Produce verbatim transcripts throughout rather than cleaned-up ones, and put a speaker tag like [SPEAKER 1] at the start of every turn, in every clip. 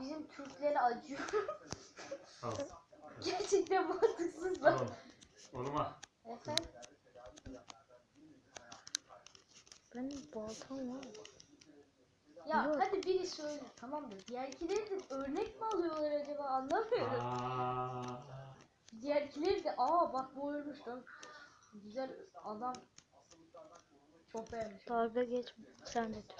[SPEAKER 1] bizim Türklere acıyor.
[SPEAKER 2] Al.
[SPEAKER 1] Gerçekten mantıksız bak.
[SPEAKER 2] Al. Oğlum al.
[SPEAKER 1] Efendim?
[SPEAKER 3] Benim baltam var.
[SPEAKER 1] Ya
[SPEAKER 3] Yok.
[SPEAKER 1] hadi biri söyle tamam da diğerkileri de örnek mi alıyorlar acaba anlamıyorum.
[SPEAKER 2] Aa.
[SPEAKER 1] Diğerkileri de aa bak bu ölmüş lan. Güzel adam. Çok beğenmiş.
[SPEAKER 3] Dalga geç sen de.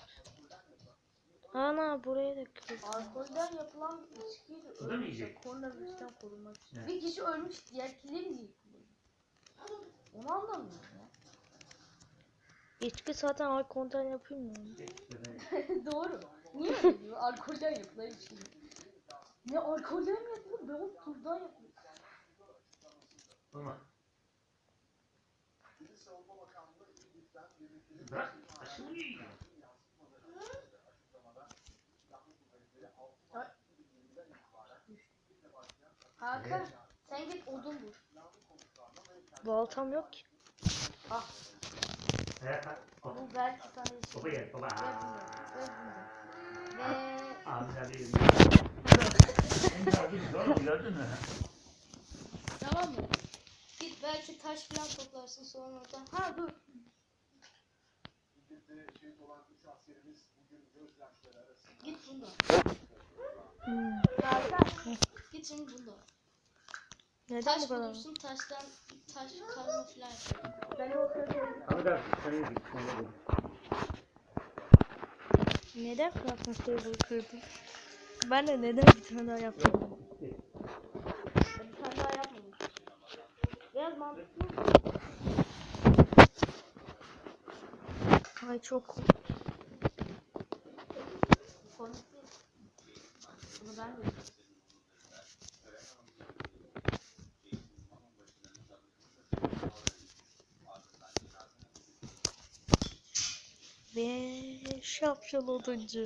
[SPEAKER 3] Ana buraya da kırdım.
[SPEAKER 1] Alkolden yapılan içkiyle
[SPEAKER 2] Bu da mı
[SPEAKER 1] ölmüş.
[SPEAKER 2] yiyecek?
[SPEAKER 1] Koronavirüsten korunmak için.
[SPEAKER 2] Evet.
[SPEAKER 1] Bir kişi ölmüş diğerkileri niye kullanıyor? Onu anlamıyorum ya.
[SPEAKER 3] İçki zaten alkolden yapayım mı?
[SPEAKER 1] Doğru. Niye öyle diyor? Alkolden yapılan içki. Ne alkolden mi yapılır? Ben o turdan yapıyorum.
[SPEAKER 2] Oğlum al. Bırak. Aşırı yiyor.
[SPEAKER 1] Hakan sen git odun bul.
[SPEAKER 3] Baltam yok ki.
[SPEAKER 1] Ah
[SPEAKER 2] Evet bak. Hop.
[SPEAKER 1] bu belki sana için.
[SPEAKER 2] Baba gel baba.
[SPEAKER 1] Ve bunu. Ve bunu. Ve
[SPEAKER 2] Amca değil. Oğlum gördün mü?
[SPEAKER 1] tamam mı? Git belki taş falan toplarsın sonra oradan. Ha dur. Git bunda.
[SPEAKER 3] Hmm.
[SPEAKER 1] Hakan. Git şimdi bunda.
[SPEAKER 3] Neden
[SPEAKER 1] Taş
[SPEAKER 3] bu kadar?
[SPEAKER 1] bulursun taştan taş kazma falan yapıyor. Ben o sırada
[SPEAKER 2] Abi da sen yedik. Sen yedik.
[SPEAKER 3] Neden crafting table kırdın? Ben de neden bir tane daha yaptım?
[SPEAKER 1] bir tane daha yapmamış. Biraz mantıklı.
[SPEAKER 3] Ay çok.
[SPEAKER 1] Komik değil. Bunu ben de
[SPEAKER 3] Ve şapşal oduncu.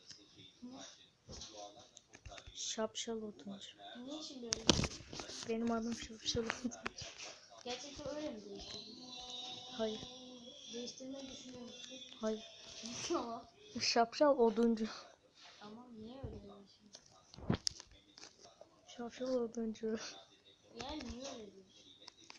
[SPEAKER 3] Şapşal oduncu.
[SPEAKER 1] niye şimdi öyle?
[SPEAKER 3] Benim adım şapşal oduncu.
[SPEAKER 1] Gerçekten öyle mi değiştirdin?
[SPEAKER 3] Hayır.
[SPEAKER 1] Değiştirmeyi düşünüyor musun?
[SPEAKER 3] Hayır.
[SPEAKER 1] Tamam.
[SPEAKER 3] Şapşal oduncu.
[SPEAKER 1] Tamam niye öyle değiştirdin?
[SPEAKER 3] Şapşal oduncu.
[SPEAKER 1] Yani niye öyle değiştirdin?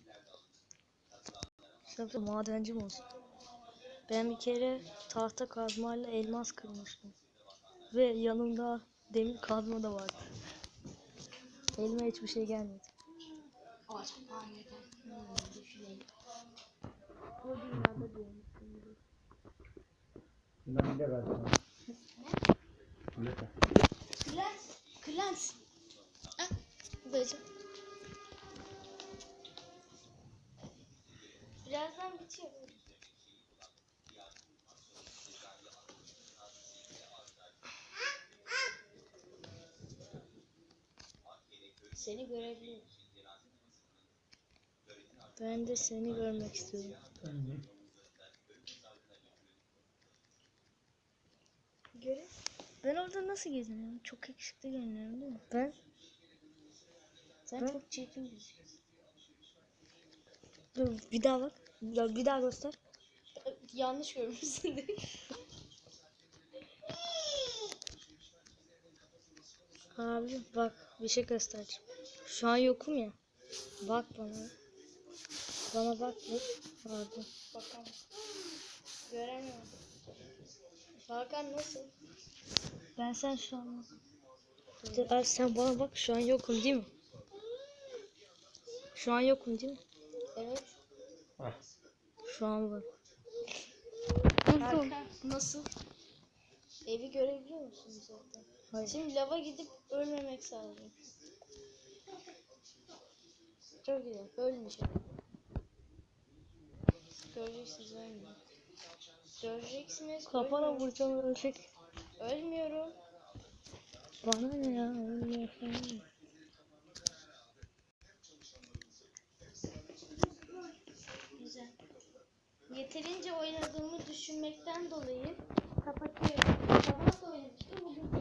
[SPEAKER 3] Şapşal madenci mi olsun? Ben bir kere tahta kazmayla elmas kırmıştım. Ve yanımda demir kazma da vardı. Elime hiçbir şey gelmedi.
[SPEAKER 1] Acayip hmm, düşüneyim. Bu dünyada diyormuşum.
[SPEAKER 2] Ben de verdim.
[SPEAKER 1] Ne? Klans. Klans. Ah, böyle. Birazdan bitiyor. Seni görebiliyorum.
[SPEAKER 3] Ben de seni görmek istiyorum. Göre. Ben orada nasıl geziniyorum? Çok yakışıklı görünüyorum değil mi? Ben?
[SPEAKER 1] Sen
[SPEAKER 3] Ben?
[SPEAKER 1] çok çirkin gözüküyorsun.
[SPEAKER 3] Dur bir daha bak. Bir bir daha göster.
[SPEAKER 1] Yanlış görmüşsün.
[SPEAKER 3] Abi bak bir şey göstereceğim. Şu an yokum ya. Bak bana. Bana bak bak. Pardon.
[SPEAKER 1] Bakalım. Göremiyorum. Hakan nasıl?
[SPEAKER 3] Ben sen şu an bak. Abi sen bana bak şu an yokum değil mi? Şu an yokum değil mi?
[SPEAKER 1] Evet.
[SPEAKER 3] Şu an bak.
[SPEAKER 1] Hakan nasıl? Evi görebiliyor musun zaten?
[SPEAKER 3] Hayır.
[SPEAKER 1] Şimdi lava gidip ölmemek sadece. Çok güzel. Ölmeyeceğim. Göreceksiniz ölmüyor. Göreceksiniz
[SPEAKER 3] Kafana
[SPEAKER 1] ölmüyor.
[SPEAKER 3] vuracağım ölecek.
[SPEAKER 1] Ölmüyorum.
[SPEAKER 3] Bana ne ya? Ölmüyor falan.
[SPEAKER 1] Güzel. Yeterince oynadığımı düşünmekten dolayı kapatıyorum. Sabah da oynamıştım. Bugün